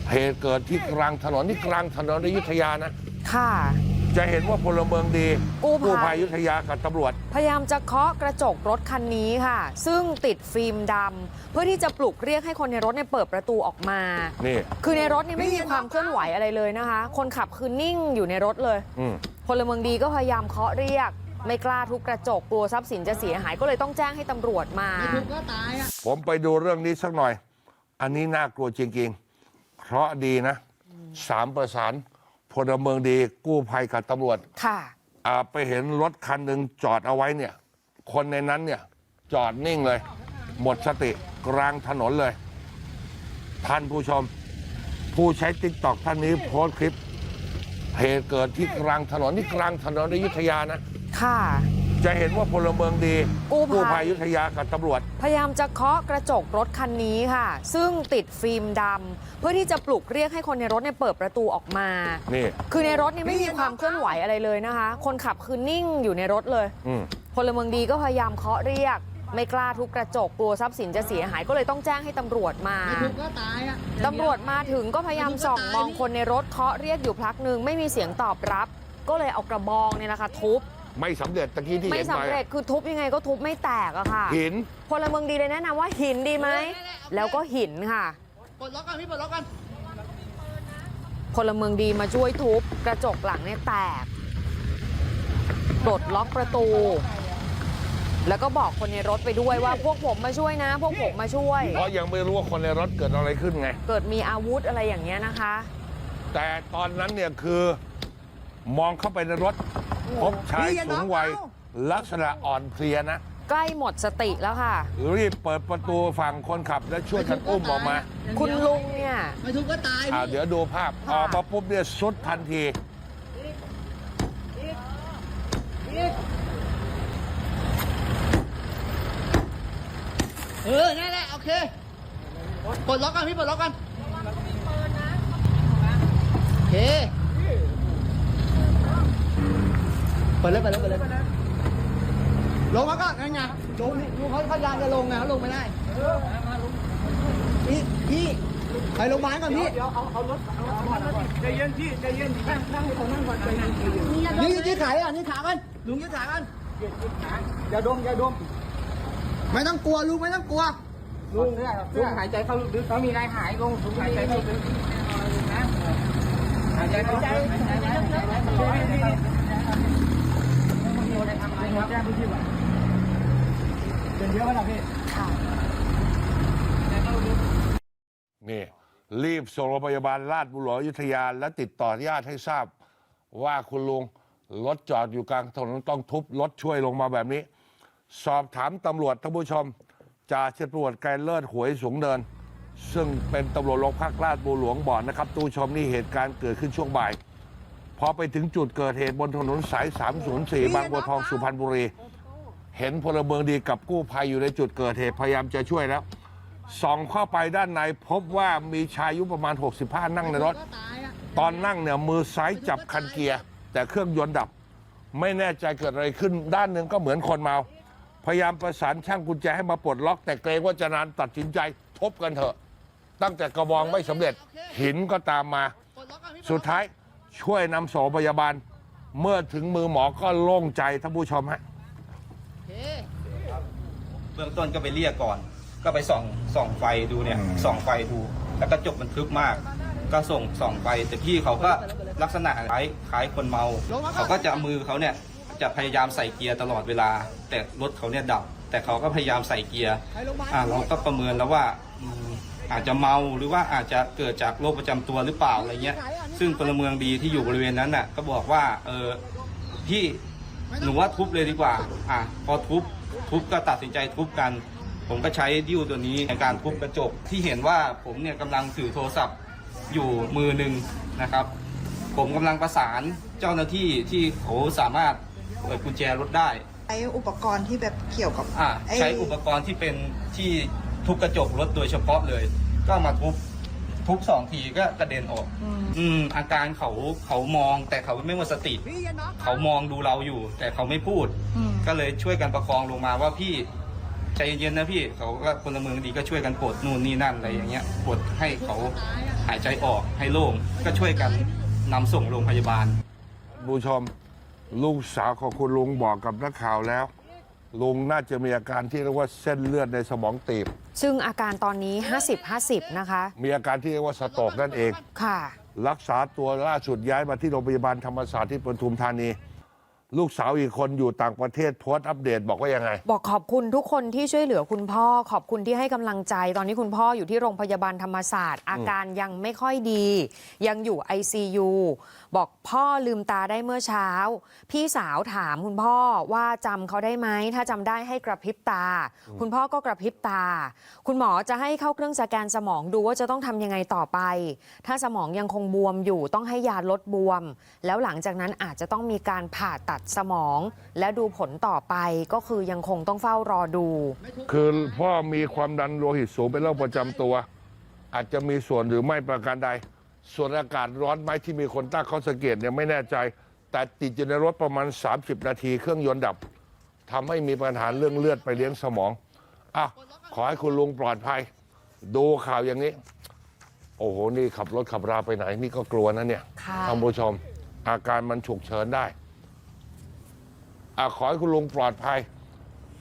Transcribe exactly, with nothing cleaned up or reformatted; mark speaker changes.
Speaker 1: เหตุเกิดที่กลางถนนที่กลางถนนอยุธยานะ
Speaker 2: ค่ะ
Speaker 1: จะเห็นว่าพลเมืองดีกู้ภัยอยุธยากับตำรวจ
Speaker 2: พยายามจะเคาะกระจกรถคันนี้ค่ะซึ่งติดฟิล์มดำเพื่อที่จะปลุกเรียกให้คนในรถเนี่ยเปิดประตูออกมา
Speaker 1: นี่
Speaker 2: คือในรถเนี่ยไม่มีความเคลื่อนไหวอะไรเลยนะคะคนขับคือนิ่งอยู่ในรถเลยพลเมืองดีก็พยายามเคาะเรียกไม่กล้าทุบกระจกกลัวทรัพย์สินจะเสียหายก็เลยต้องแจ้งให้ตำรวจมา
Speaker 1: ผมไปดูเรื่องนี้สักหน่อยอันนี้น่ากลัวจริงๆเพราะดีนะสามประสานพลเมืองดีกู้ภัยกับตำรวจ
Speaker 2: ค่ะ
Speaker 1: ไปเห็นรถคันหนึ่งจอดเอาไว้เนี่ยคนในนั้นเนี่ยจอดนิ่งเลยหมดสติกลางถนนเลยท่านผู้ชมผู้ใช้ติ๊กต็อกท่านนี้โพสต์คลิปเหตุเกิดที่กลางถนนที่กลางถนนอยุธยานะ
Speaker 2: ค่ะ
Speaker 1: จะเห็นว่าพลเมืองดีกู้ภัยอยุธยากับตำรวจ
Speaker 2: พยายามจะเคาะกระจกรถคันนี้ค่ะซึ่งติดฟิล์มดำเพื่อที่จะปลุกเรียกให้คนในรถเนี่ยเปิดประตูออกมา
Speaker 1: นี่
Speaker 2: คือในรถเนี่ยไม่มีความเคลื่อนไหวอะไรเลยนะคะคนขับคือนิ่งอยู่ในรถเลยพลเมืองดีก็พยายามเคาะเรียกไม่กล้าทุบกระจกกลัวทรัพย์สินจะเสียหายก็เลยต้องแจ้งให้ตำรวจมาตำรวจมาถึงก็พยายามส่องมองคนในรถเคาะเรียกอยู่พักหนึ่งไม่มีเสียงตอบรับก็เลยเอากระบองเนี่ยนะคะทุบ
Speaker 1: ไม่สำเร็จตะกี้ที่เห็นไป
Speaker 2: ไม่สำเร็จคือทุบยังไงก็ทุบไม่แตกอะค่ะ
Speaker 1: หิน
Speaker 2: พลเมืองดีเลยแนะนำว่าหินดีไหมแล้วก็หินค่ะ
Speaker 3: ปลดล็อกกันพี่ปลดล็อกกัน
Speaker 2: พลเมืองดีมาช่วยทุบกระจกหลังเนี่ยแตกปลดล็อกประตูแล้วก็บอกคนในรถไปด้วยว่าพวกผมมาช่วยนะพวกผมมาช่วย
Speaker 1: เพราะยังไม่รู้ว่าคนในรถเกิดอะไรขึ้นไง
Speaker 2: เกิดมีอาวุธอะไรอย่างเงี้ยนะคะ
Speaker 1: แต่ตอนนั้นเนี่ยคือมองเข้าไปในรถพบชายสูงวัยลักษณะอ่อนเพลียนะ
Speaker 2: ใกล้หมดสติแล้วค่ะ
Speaker 1: รีบเปิดประตูฝั่งคนขับและช่วยกันอุ้มออกมา
Speaker 2: คุณลุงเนี่ย
Speaker 3: ไม่ทุบก็ตาย
Speaker 1: เดี๋ยวดูภาพออกมาปุ๊บเนี่ยสุดทันที
Speaker 3: เออนั่นแหละโอเคปลดล็อกกันพี่ปลดล็อกกันโอเคเปิดเลยเปิดเลยเปิดเลยลงมาก็งั้นไงลงดูเขาพยายามจะลงไงเขาลงไม่ได้พี่พี่ไปโรงพยาบาลก่อนพี่เดี๋ยวเอาเอารถใจเย็นพี่ใจเย็นนั่งนั่งก่อนนั่งก่อนใจเย็นนี่ยืดขาอ่ะนี่ขากันลุงยืดขากันอย่าดมอย่าดมไม่ต้องกลัวลุงไม่ต้องกลัวลุงลุงหายใจเข้าลึกเขามีอะไรหายลุงลุงหายใจเข้าลึกนะหายใจเข้าลึกเป็นเยอะไหมล่ะพี่
Speaker 1: นี่รีบส่งโรงพยาบาลราชบุรอยุธยาและติดต่อญาติให้ทราบว่าคุณลุงรถจอดอยู่กลางถนนต้องทุบรถช่วยลงมาแบบนี้สอบถามตำรวจท่านผู้ชมจ่าเฉพาะไกรเลิศหวยสูงเนินซึ่งเป็นตำรวจโรงพักราชบุรหลวงบอกนะครับตู้ชมนี่เหตุการณ์เกิดขึ้นช่วงบ่ายพอไปถึงจุดเกิดเหตุบนถนนสายสามศูนย์สี่บางบัวทองสุพรรณบุรีเห็นพลเมืองดีกับกู้ภัยอยู่ในจุดเกิดเหตุพยายามจะช่วยแล้วส่องเข้าไปด้านในพบว่ามีชายอายุประมาณหกสิบห้านั่งในรถตอนนั่งเนี่ยมือซ้ายจับคันเกียร์แต่เครื่องยนต์ดับไม่แน่ใจเกิดอะไรขึ้นด้านหนึ่งก็เหมือนคนเมาพยายามประสานช่างกุญแจให้มาปลดล็อกแต่เกรงว่าจะนานตัดสินใจทบกันเถอะตั้งแต่กระบองไม่สำเร็จหินก็ตามมาสุดท้ายช่วยนำส่งโรงพยาบาลเมื่อถึงมือหมอก็โล่งใจท่านผู้ชมฮะ
Speaker 4: เบื้องต้นก็ไปเรียกก่อนก็ไปส่องส่องไฟดูเนี่ยส่องไฟดูแล้วก็จกมันทึบมากก็ส่งส่องไฟแต่พี่เขาก็ลักษณะคล้ายคล้ายคนเมาเขาก็จะมือเขาเนี่ยจะพยายามใส่เกียร์ตลอดเวลาแต่รถเขาเนี่ยดับแต่เขาก็พยายามใส่เกียร์อ่าเราก็ประเมินแล้วว่าอาจจะเมาหรือว่าอาจจะเกิดจากโรคประจำตัวหรือเปล่าอะไรเงี้ยซึ่งพลเมืองดีที่อยู่บริเวณนั้นน่ะก็บอกว่าเออพี่หนูว่าทุบเลยดีกว่าอ่ะพอทุบทุบก็ตัดสินใจทุบกันผมก็ใช้ดิ้วตัวนี้ในการทุบกระจกที่เห็นว่าผมเนี่ยกำลังถือโทรศัพท์อยู่มือหนึ่งนะครับผมกำลังประสานเจ้าหน้าที่ที่เขาสามารถเปิดกุญแจรถได้
Speaker 5: ใช้อุปกรณ์ที่แบบเกี่ยวกับ
Speaker 4: อ่าใช้อุปกรณ์ที่เป็นที่ทุบกระจกรถโดยเฉพาะเลยก็มาทุบทุบสองทีก็กระเด็นออกอืมอาการเขาเขามองแต่เขาไม่หมดสติเขามองดูเราอยู่แต่เขาไม่พูดก็เลยช่วยกันประคองลงมาว่าพี่ใจเย็นๆนะพี่เขาก็พลเมืองดีก็ช่วยกันปลดนู่นนี่นั่นอะไรอย่างเงี้ยปลดให้เขาหายใจออกให้โล่งก็ช่วยกันนำส่งโรงพยาบาล
Speaker 1: ผู้ชมลูกสาวของคุณลุงบอกกับนักข่าวแล้ว ลุงน่าจะมีอาการที่เรียกว่าเส้นเลือดในสมองตีบ
Speaker 2: ซึ่งอาการตอนนี้ ห้าสิบ ห้าสิบ นะคะ
Speaker 1: มีอาการที่เรียกว่าสโตรกนั่นเอง
Speaker 2: ค่ะ
Speaker 1: รักษาตัวล่าสุดย้ายมาที่โรงพยาบาลธรรมศาสตร์ที่ปทุมธานี ลูกสาวอีกคนอยู่ต่างประเทศโพสต์อัปเดตบอกว่ายังไง
Speaker 2: บอกขอบคุณทุกคนที่ช่วยเหลือคุณพ่อ ขอบคุณที่ให้กำลังใจ ตอนนี้คุณพ่ออยู่ที่โรงพยาบาลธรรมศาสตร์ อาการยังไม่ค่อยดี ยังอยู่ ไอ ซี ยู บอกพ่อลืมตาได้เมื่อเช้า พี่สาวถามคุณพ่อว่าจำเขาได้ไหม ถ้าจำได้ให้กระพริบตา คุณพ่อก็กระพริบตา คุณหมอจะให้เข้าเครื่องสแกนสมองดูว่าจะต้องทำยังไงต่อไป ถ้าสมองยังคงบวมอยู่ต้องให้ยาลดบวม แล้วหลังจากนั้นอาจจะต้องมีการผ่าตัดสมอง และดูผลต่อไปก็คือยังคงต้องเฝ้ารอดู
Speaker 1: คือพ่อมีความดันโลหิตสูงเป็นโรคประจำตัว อาจจะมีส่วนหรือไม่ประการใด ส่วนอากาศร้อนไหมที่มีคนตั้งข้อสังเกตเนี่ยไม่แน่ใจ แต่ติดอยู่ในรถประมาณ สามสิบ นาทีเครื่องยนต์ดับทำให้มีปัญหาเรื่องเลือดไปเลี้ยงสมองอ่ะขอให้คุณลุงปลอดภัย ดูข่าวอย่างนี้ โอ้โหนี่ขับรถขับราไปไหนนี่ก็กลัวนะเนี่ย
Speaker 2: ค่ะ
Speaker 1: ท่านผู้ชม อาการมันฉุกเฉินได้อ่ะขอให้คุณลุงปลอดภัย